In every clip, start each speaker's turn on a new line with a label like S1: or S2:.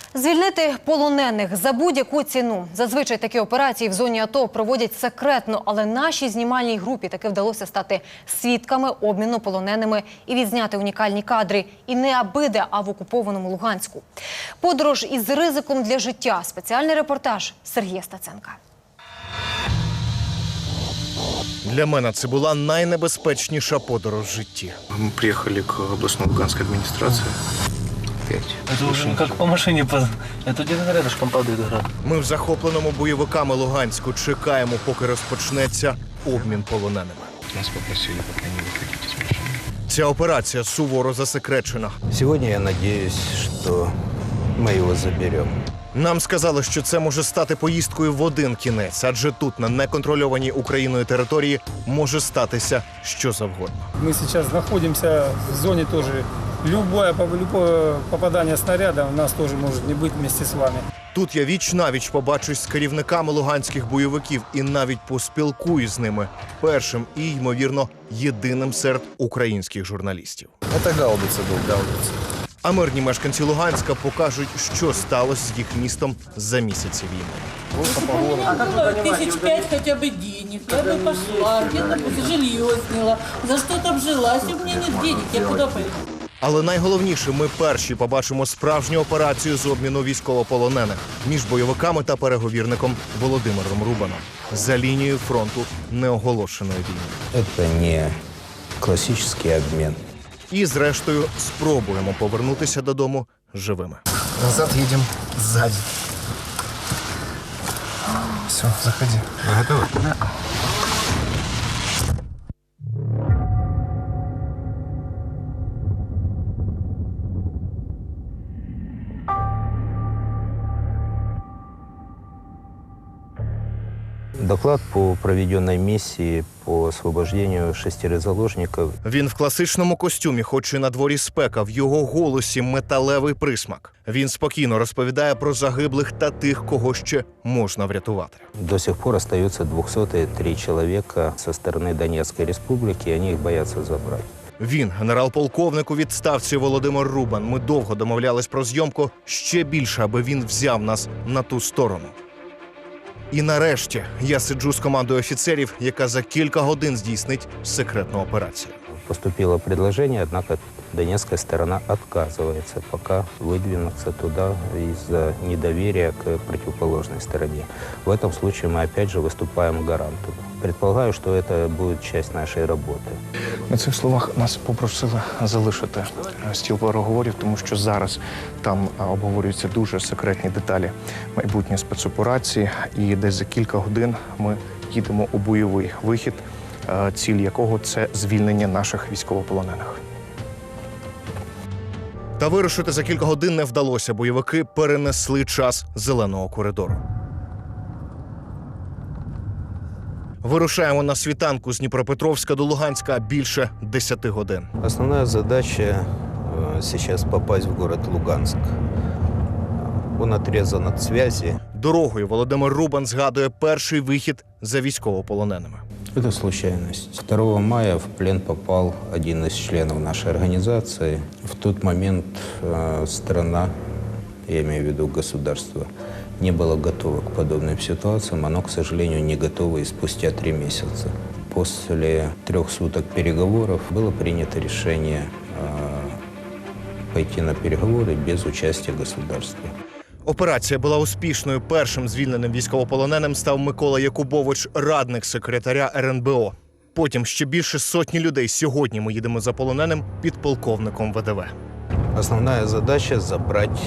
S1: Звільнити полонених за будь-яку ціну. Зазвичай такі операції в зоні АТО проводять секретно, але нашій знімальній групі таки вдалося стати свідками обміну полоненими і відзняти унікальні кадри. І не абиде, а в окупованому Луганську. Подорож із ризиком для життя. Спеціальний репортаж Сергія Стаценка.
S2: Для мене це була найнебезпечніша подорож в житті.
S3: Мы приехали к областной луганской администрации.
S4: Это уже как по машине. Это где-то рядышком падает град.
S2: Ми в захопленому бойовиками Луганську чекаємо, поки розпочнеться обмін полоненими.
S3: Нас попросили пока не выходить из машины.
S2: Ця операція суворо засекречена.
S5: Сегодня я надеюсь, что мы его заберем.
S2: Нам сказали, що це може стати поїздкою в один кінець, адже тут, на неконтрольованій Україною території, може статися що завгодно.
S6: Мы сейчас находимся в зоне тоже. Любое попадание снаряда у нас тоже может не быть вместе с вами.
S2: Тут я віч-навіч побачусь з керівниками луганських бойовиків і навіть поспілкуюсь з ними. Першим і, ймовірно, єдиним серед українських журналістів.
S5: Это гаубица был, гаубица.
S2: А мирні мешканці Луганська покажуть, що сталося з їх містом за місяці війни.
S7: Было 1005 хотя бы денег, я бы пошла, где-то жилье сняла. За что там жила? Если у меня нет денег, я куда пойду?
S2: Але найголовніше, ми перші побачимо справжню операцію з обміну військовополонених між бойовиками та переговірником Володимиром Рубаном за лінією фронту неоголошеної війни.
S5: Это не классический обмен.
S2: І, зрештою, спробуємо повернутися додому живими.
S3: Назад едем сзади. Все, заходи. Вы готовы? Да.
S5: Доклад по проведенной миссии по освобождению 6 заложников.
S2: Він в класичному костюмі, хоч і на дворі спека, в його голосі металевий присмак. Він спокійно розповідає про загиблих та тих, кого ще можна врятувати.
S5: До сих пор остается 203 человека со стороны Донецкой республики, и они их боятся забрать.
S2: Він, генерал-полковник у відставці Володимир Рубан. Ми довго домовлялись про зйомку ще більше, аби він взяв нас на ту сторону. І нарешті я сиджу з командою офіцерів, яка за кілька годин здійснить секретну операцію.
S5: Поступило предложение, однако донецкая сторона отказывается пока выдвинуться туда из-за недоверия к противоположной стороне. В этом случае мы опять же выступаем гарантом. Предполагаю, что это будет часть нашей работы.
S3: На цих словах нас попросили залишити стіл переговорів, тому що зараз там обговорюються дуже секретні деталі майбутньої спецоперації. І десь за кілька годин ми їдемо у бойовий вихід, ціль якого – це звільнення наших військовополонених.
S2: Та вирушити за кілька годин не вдалося. Бойовики перенесли час зеленого коридору. Вирушаємо на світанку з Дніпропетровська до Луганська більше 10 годин.
S5: Основная задача сейчас попасть в город Луганск. Он отрезан от связи.
S2: Дорогою Володимир Рубан згадує перший вихід за військовополоненими.
S5: Это случайность. 2 мая в плен попал один из членов нашей организации. В тот момент страна, я имею в виду государство, не было готово к подобным ситуациям. Оно, к сожалению, не готово и спустя 3 месяца. После 3 суток переговоров было принято решение пойти на переговоры без участия государства.
S2: Операція була успішною. Першим звільненим військовополоненим став Микола Якубович, радник секретаря РНБО. Потім ще більше сотні людей. Сьогодні ми їдемо за полоненим підполковником ВДВ.
S5: Основная задача – забрать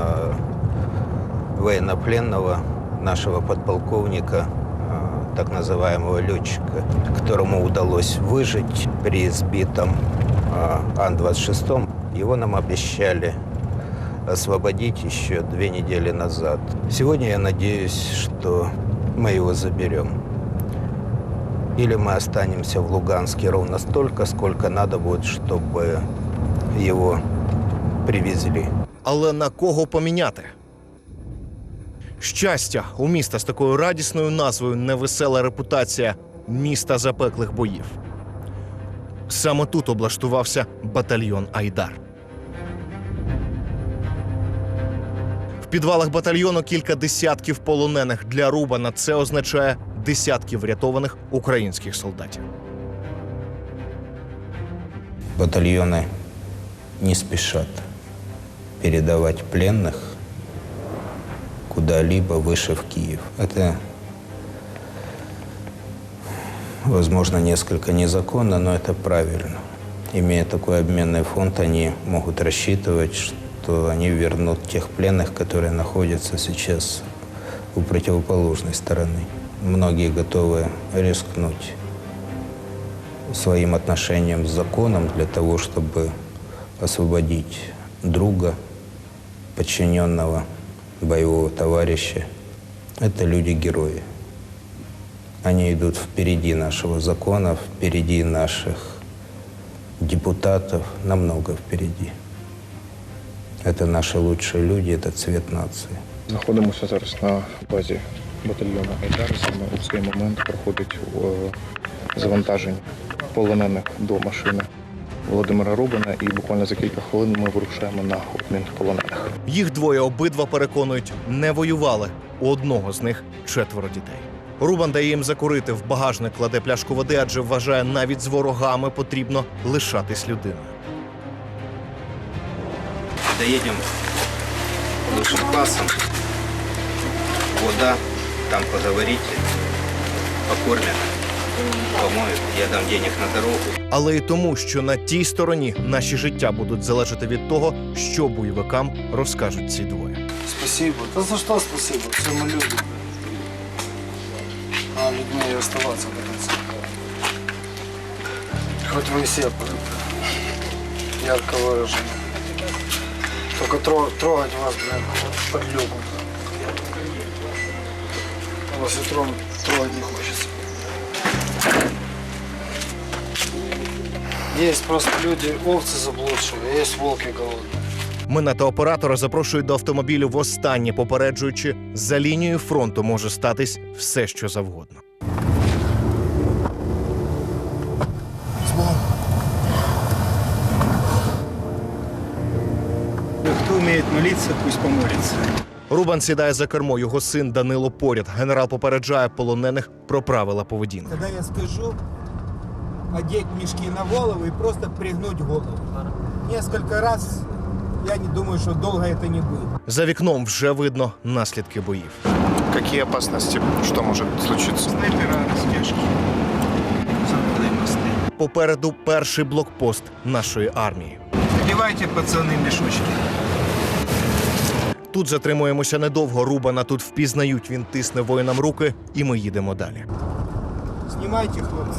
S5: военнопленного, нашего подполковника, так называемого летчика, которому удалось выжить при сбитом Ан-26. Его нам обещали освободить еще 2 недели назад. Сегодня я надеюсь, что мы его заберем. Или мы останемся в Луганске ровно столько, сколько надо будет, чтобы его привезли.
S2: Але на кого поміняти? Щастя, у міста з такою радісною назвою невесела репутація міста запеклих боїв. Саме тут облаштувався батальйон «Айдар». підвалах батальйону кілька десятків полонених. Для Рубана це означає десятки врятованих українських солдатів.
S5: Батальоны не спешат передавать пленных куда-либо выше в Киев. Это, возможно, несколько незаконно, но это правильно. Имея такой обменный фонд, они могут рассчитывать, что они вернут тех пленных, которые находятся сейчас у противоположной стороны. Многие готовы рискнуть своим отношением с законом для того, чтобы освободить друга, подчиненного, боевого товарища. Это люди-герои. Они идут впереди нашего закона, впереди наших депутатов, намного впереди. Это наши лучшие люди, это цвет нации.
S3: Знаходимося зараз на базі батальйону «Айдар». Саме у цей момент проходить завантаження полонених до машини Володимира Рубана, і буквально за кілька хвилин ми вирушаємо на обмін полонених.
S2: Їх двоє обидва переконують, не воювали. У одного з них 4 дітей. Рубан дає їм закурити, в багажник кладе пляшку води, адже вважає, навіть з ворогами потрібно лишатись людиною.
S5: Доедем высшим классом. Вода, там поговорите, покормят, помоют, я дам денег на дорогу.
S2: Але й тому, що на тій стороні наші життя будуть залежати від того, що бойовикам розкажуть ці двоє.
S8: Спасибо. Да за что спасибо? Все мы люди. А людьми и оставаться до конца. Хоть вы и все ярко выражены. Только трогать вас, блин, подлюбу. Вас и трогать не хочется. Есть просто люди, овцы заблудшие, а есть волки голодные.
S2: Мене та оператора запрошують до автомобілю востаннє, попереджуючи, за лінією фронту може статись все, що завгодно.
S9: Кто умеет молиться, пусть помолится.
S2: Рубан сідає за кермо, його син Данило поряд. Генерал попереджає полонених про правила поведінки.
S9: Когда я скажу, одеть мешки на голову и просто пригнуть голову. Несколько раз, я не думаю, что долго это не будет.
S2: За вікном вже видно наслідки боїв.
S3: Які опасності? Що може случитися?
S9: Снайпера, растяжки. Западные мосты.
S2: Попереду перший блокпост нашої армії.
S9: Одевайте, пацаны, мешочки.
S2: Тут затримуємося недовго. Рубана тут впізнають, він тисне воїнам руки, і ми їдемо далі.
S9: Снимайте, хлопцы.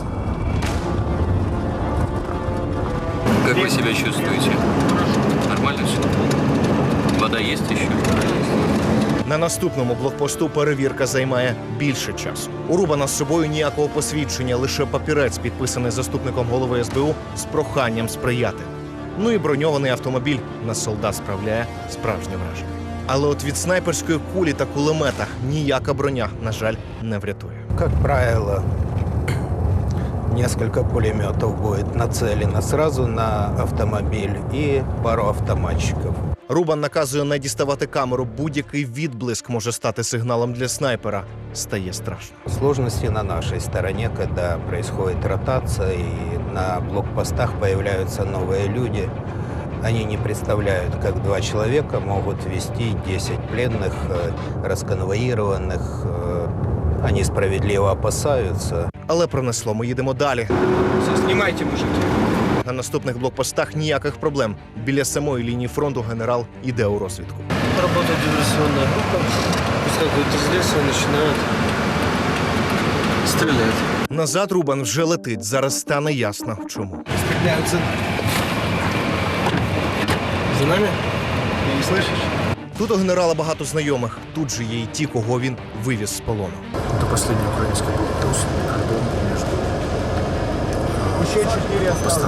S10: Как вы себя чувствуете? Нормально все? Вода есть еще?
S2: На наступному блокпосту перевірка займає більше часу. У Рубана з собою ніякого посвідчення, лише папірець, підписаний заступником голови СБУ з проханням сприяти. Ну і броньований автомобіль на солдат справляє справжнє враження. Але от від снайперської кулі та кулемета ніяка броня, на жаль, не врятує.
S5: Как правило, несколько пулеметов будет нацелено сразу на автомобиль и пару автоматчиков.
S2: Рубан наказує не діставати камеру. Будь-який відблиск може стати сигналом для снайпера. Стає страшно.
S5: Сложности на нашей стороне, когда происходит ротация и на блокпостах появляются новые люди. Они не представляют, как 2 человека могут вести 10 пленных, расконвоированных. Они справедливо опасаются.
S2: Але пронесло, ми їдемо далі.
S9: Все, снимайте, мужики.
S2: На наступних блокпостах ніяких проблем. Біля самої лінії фронту генерал іде у розвідку.
S6: Работает диверсионная группа. Выскакивают из леса и начинают стрелять.
S2: Назад Рубан вже летить. Зараз стане ясно, чому.
S9: Стреляют за нами.
S6: За нами?
S9: Ты не слышишь?
S2: Тут у генерала багато знайомих. Тут же є й ті, кого він вивіз з полону.
S3: Це останній український блокпост между
S9: Еще 4 осталось.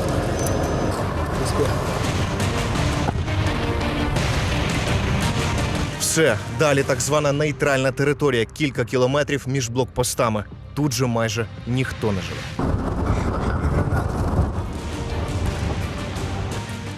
S2: Все, далі так звана нейтральна територія. Кілька кілометрів між блокпостами. Тут же майже ніхто не живе.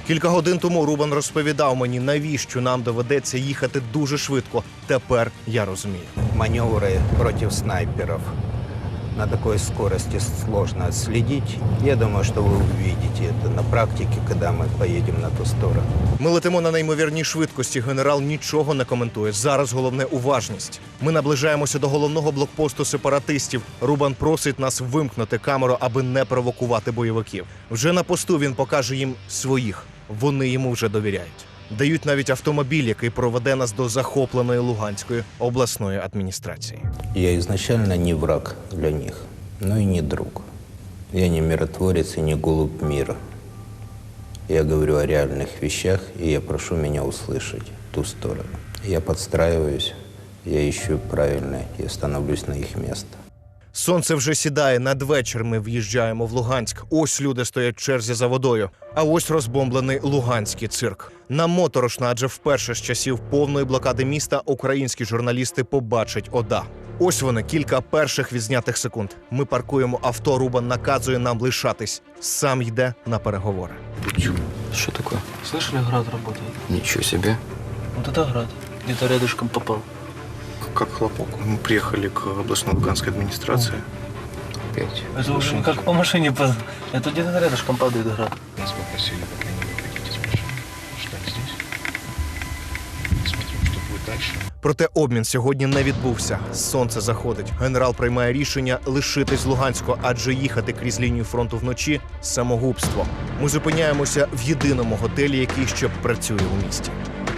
S2: Кілька годин тому Рубан розповідав мені, навіщо нам доведеться їхати дуже швидко. Тепер я розумію.
S5: Маневры против снайперов на такой скорости сложно отследить. Я думаю, что вы увидите это на практике, когда мы поедем на ту сторону.
S2: Ми летимо на неймовірній швидкості. Генерал нічого не коментує. Зараз головне уважність. Ми наближаємося до головного блокпосту сепаратистів. Рубан просить нас вимкнути камеру, аби не провокувати бойовиків. Вже на посту він покаже їм своїх. Вони йому вже довіряють. Дають навіть автомобіль, який проведе нас до захопленої Луганської обласної адміністрації.
S5: Я изначально не враг для них, но и не друг. Я не миротворец и не голубь мира. Я говорю о реальных вещах, и я прошу меня услышать ту сторону. Я подстраиваюсь, я ищу правильное, я становлюсь на их место.
S2: Сонце вже сідає. Надвечір ми в'їжджаємо в Луганськ. Ось люди стоять в черзі за водою. А ось розбомблений луганський цирк. Нам моторошно, адже вперше з часів повної блокади міста українські журналісти побачать ОДА. Ось вони, кілька перших відзнятих секунд. Ми паркуємо авто, Рубан наказує нам лишатись. Сам йде на переговори.
S10: Что такое?
S4: Слышали, град работает?
S10: Ничего себе.
S4: Вот это град. Где-то рядышком попал.
S3: Как хлопок. Мы приехали к областной луганской администрации.
S10: Опять.
S4: Это уже как по машине. Это где-то рядышком падает град.
S3: Нас попросили пока не выходить из машины. Ждать здесь. Смотрим, что будет дальше.
S2: Проте обмін сьогодні не відбувся. Сонце заходить. Генерал приймає рішення лишитись в Луганську, адже їхати крізь лінію фронту вночі – самогубство. Ми зупиняємося в єдиному готелі, який ще працює у місті.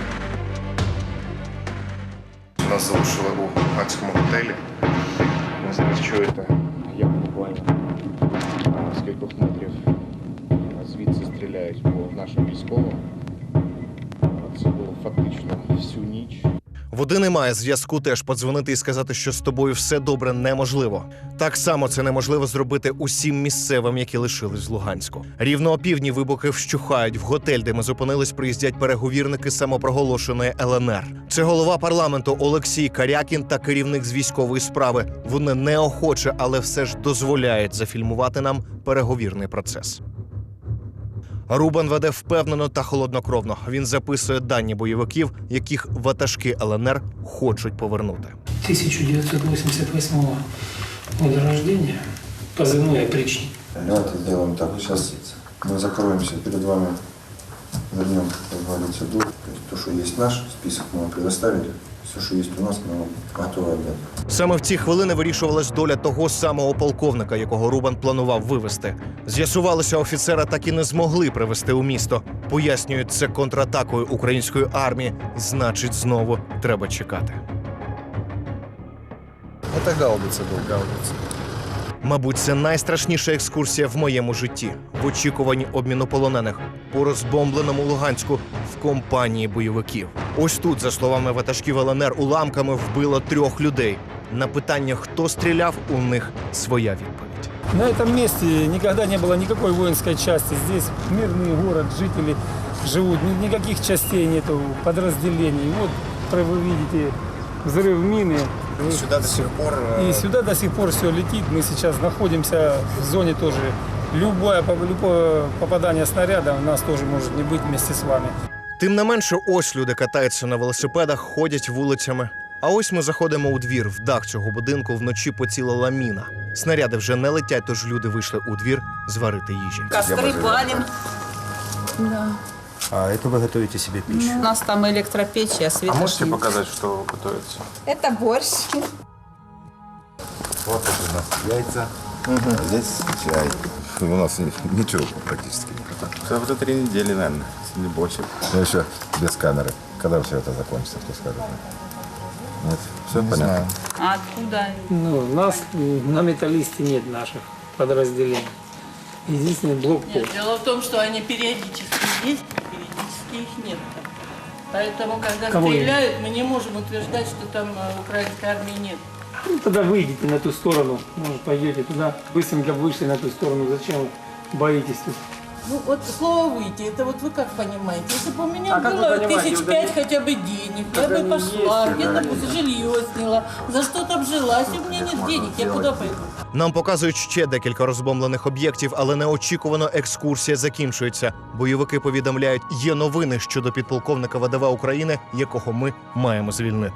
S2: Нас залишили у луганському готелі. Ви зараз чуєте, як буквально з кількох метрів звідси стріляють по нашим військовим. Це було фактично всю ніч. Води немає, зв'язку теж. Подзвонити і сказати, що з тобою все добре, неможливо. Так само це неможливо зробити усім місцевим, які лишились в Луганську. Рівно опівдні вибухи вщухають. В готель, де ми зупинились, приїздять переговірники самопроголошеної ЛНР. Це голова парламенту Олексій Карякін та керівник з військової справи. Вони неохоче, але все ж дозволяють зафільмувати нам переговірний процес. Рубан веде впевнено та холоднокровно. Він записує дані бойовиків, яких ватажки ЛНР хочуть повернути.
S6: 1988 года рождения, позывной опричник.
S8: Давайте сделаем так. Сейчас мы закроемся перед вами, вернем, как говорится, долг. То есть то, что есть наш список, мы вам предоставили. Все, що є у нас, ми готові віддати.
S2: Саме в ці хвилини вирішувалась доля того самого полковника, якого Рубан планував вивезти. З'ясувалося, офіцера так і не змогли привезти у місто. Пояснюють, це контратакою української армії. Значить, знову треба чекати.
S8: Це гаубиця був, гаубиця.
S2: Мабуть, це найстрашніша екскурсія в моєму житті. В очікуванні обміну полонених по розбомбленому Луганську в компанії бойовиків. Ось тут, за словами ватажків ЛНР, уламками вбило 3 людей. На питання, хто стріляв, у них своя відповідь.
S6: На этом месте никогда не было никакой воинской части. Здесь мирный город, жители живут, никаких частей нету, подразделений. Вот вы видите взрыв мины.
S8: Сюди до сих пор...
S6: И сюда до сих пор все летит. Мы сейчас находимся в зоне тоже. Любое попадание снаряда у нас тоже может не быть вместе с вами.
S2: Тим не менше, ось люди катаються на велосипедах, ходять вулицями. А ось ми заходимо у двір. В дах цього будинку вночі поцілила міна. Снаряди вже не летять, тож люди вийшли у двір зварити їжі.
S7: Костры палим. Да.
S8: А это вы готовите себе пищу?
S7: У нас там электропечь, а света нет.
S8: показать, что готовится?
S7: Это борщ.
S8: Вот это у нас яйца, здесь чай. У нас ничего практически нет. Это уже 3 недели, наверное, если не больше. Но еще без камеры. Когда все это закончится, кто скажет? Нет? Все понятно?
S7: А откуда?
S6: Ну, нас на металлисте нет наших подразделений. Единственный блокпост.
S7: Нет, дело в том, что они периодически есть, периодически их нет. Поэтому, когда
S6: Кого
S7: стреляют, мы не можем утверждать, что там украинской армии нет.
S6: Ну, тогда выйдите на ту сторону, может, пойдете туда. Быстренько вышли на ту сторону. Зачем вы боитесь тут
S7: Ну вот слово «выйти», это вот вы как понимаете? Если бы у меня
S6: А как вы
S7: было
S6: понимаете?
S7: 1005 хотя бы денег, я бы пошла, где-то бы жилье сняла, за что-то обжилась, и у меня нет денег, я куда пойду?
S2: Нам показують ще декілька розбомблених об'єктів, але неочікувано екскурсія закінчується. Бойовики повідомляють, є новини щодо підполковника ВДВ України, якого ми маємо звільнити.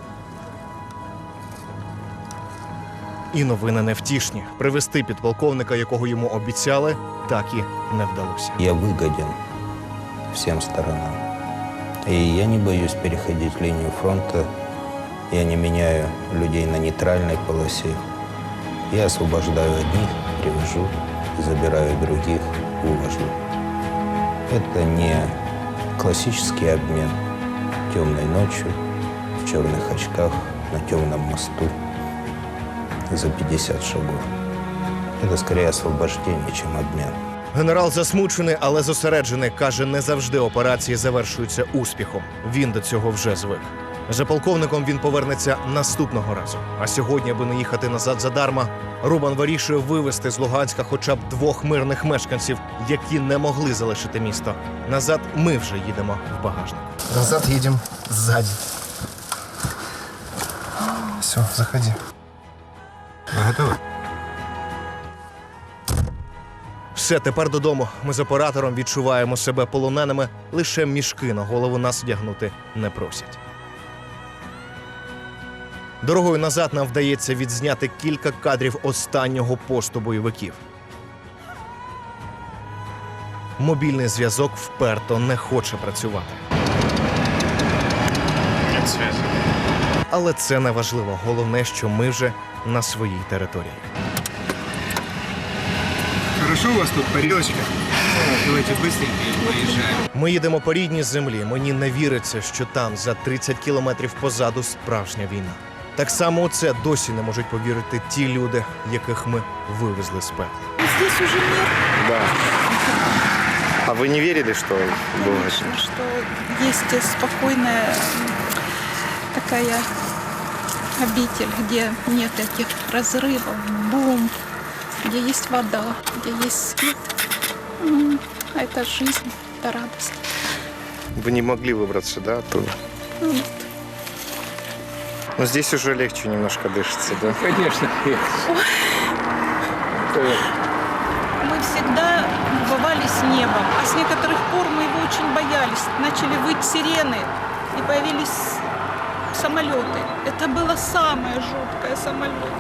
S2: І новини невтішні. Привезти підполковника, якого йому обіцяли, так і не вдалося.
S5: Я выгоден всем сторонам. И я не боюсь переходить линию фронта. Я не меняю людей на нейтральной полосе. Я освобождаю одних, привожу, забираю других, увожу. Это не классический обмен темной ночью, в черных очках, на темном мосту за 50 шагов. Это скорее освобождение, чем обмен.
S2: Генерал засмучений, але зосереджений. Каже, не завжди операції завершуються успіхом. Він до цього вже звик. За полковником він повернеться наступного разу. А сьогодні, аби не їхати назад задарма, Рубан вирішує вивезти з Луганська хоча б 2 мирних мешканців, які не могли залишити місто. Назад ми вже їдемо в багажник.
S3: Назад едем сзади. Все, заходи.
S8: Вы готовы?
S2: Все, тепер додому. Ми з оператором відчуваємо себе полоненими, лише мішки на голову нас одягнути не просять. Дорогою назад нам вдається відзняти кілька кадрів останнього посту бойовиків. Мобільний зв'язок вперто не хоче працювати. Але це не важливо. Головне, що ми вже на своїй території.
S9: Хорошо у вас тут парилочка? Давайте быстренько и поезжаем.
S2: Ми їдемо по рідній землі. Мені не віриться, що там, за 30 кілометрів позаду, справжня війна. Так само у це досі не можуть повірити ті люди, яких ми вивезли з пекла.
S11: Здесь уже мир.
S3: Да. А вы не верили, что было это?
S11: Конечно, что есть спокойная такая обитель, где нет этих разрывов, бомб, где есть вода, где есть свет. А это жизнь, это радость.
S3: Вы не могли выбраться, да, оттуда?
S11: Нет.
S3: Но здесь уже легче немножко дышится, да?
S4: Конечно.
S11: Мы всегда бывали с небом, а с некоторых пор мы его очень боялись. Начали выть сирены, и появились самолеты. Это было самое жуткое самолет.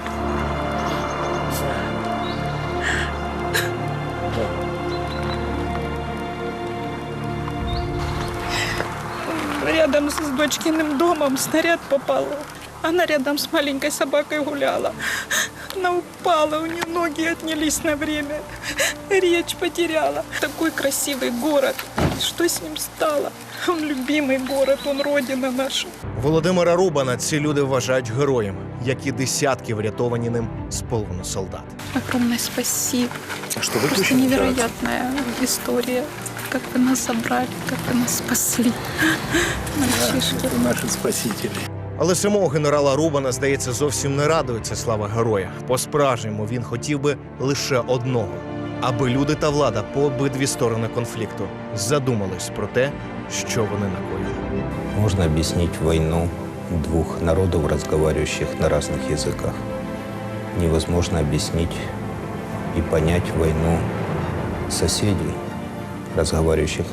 S11: Рядом с дочкиным домом снаряд попал. Она рядом с маленькой собакой гуляла. Она упала, у нее ноги отнялись на время. Речь потеряла. Такой красивый город. Что с ним стало? Он любимый город, он родина наша.
S2: Володимира Рубана ці люди вважають героєм, як і десятки врятовані ним з полону солдат.
S11: Огромное спасибо.
S3: Что вы
S11: Просто невероятная история. Как вы нас забрали, как вы нас спасли. Мальчишки.
S4: Наши спасители.
S2: Але самого генерала Рубана, здається, зовсім не радує ця слава героя. По-справжньому він хотів би лише одного – аби люди та влада по обидві сторони конфлікту задумались про те, що вони накоїли.
S5: Можно объяснить войну двух народов, разговаривающих на разных языках. Невозможно объяснить и понять войну соседей, разговаривающих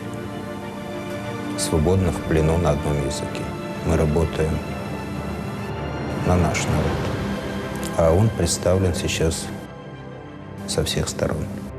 S5: свободно в плену на одном языке. Мы работаем на наш народ, а он представлен сейчас со всех сторон.